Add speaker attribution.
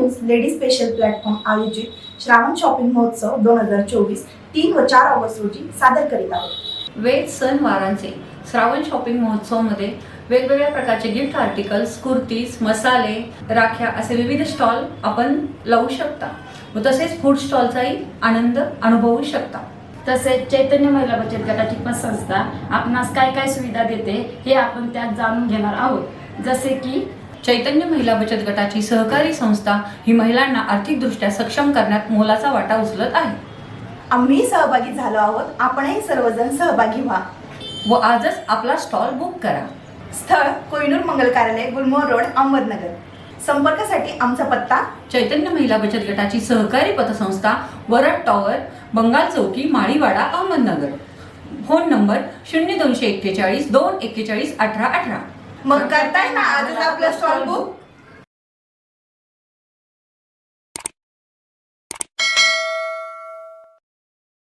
Speaker 1: News lady special platform आयोजित Shravan shopping महोत्सव 2024 3 व 4 ऑगस्ट रोजी सादर करीत आहोत।
Speaker 2: वेद सणवारांचे श्रावण शॉपिंग महोत्सवमध्ये वेगवेगळ्या प्रकारचे गिफ्ट आर्टिकल्स, कुर्तीज, मसाले, राख्या असे विविध स्टॉल आपण लावू शकता व तसेच फूड स्टॉलचाही आनंद अनुभवू शकता।
Speaker 3: तसेच चैतन्य महिला बचत गटाची संस्था आपणास काय काय सुविधा देते हे आपण त्यात जाणून घेणार आहोत। जसे की
Speaker 2: चैतन्य महिला बचत गटाची सहकारी संस्था ही महिलांना आर्थिकदृष्ट्या सक्षम करण्यात मोलाचा वाटा उचलत आहे।
Speaker 1: आम्ही सहभागी झालो आहोत, आपणही सर्वजण सहभागी व्हा
Speaker 2: व आजच आपला स्टॉल बुक करा।
Speaker 1: स्थळ कोहिनूर मंगल कार्यालय, गुलमोहर रोड, अहमदनगर। संपर्कासाठी आमचा पत्ता
Speaker 2: चैतन्य महिला बचत गटाची सहकारी पतसंस्था, वरद टॉवर, बंगाल चौकी, माळीवाडा, अहमदनगर। Phone number 0241 241 1818।
Speaker 1: मग करताय ना आजच आपला स्टॉल बुक।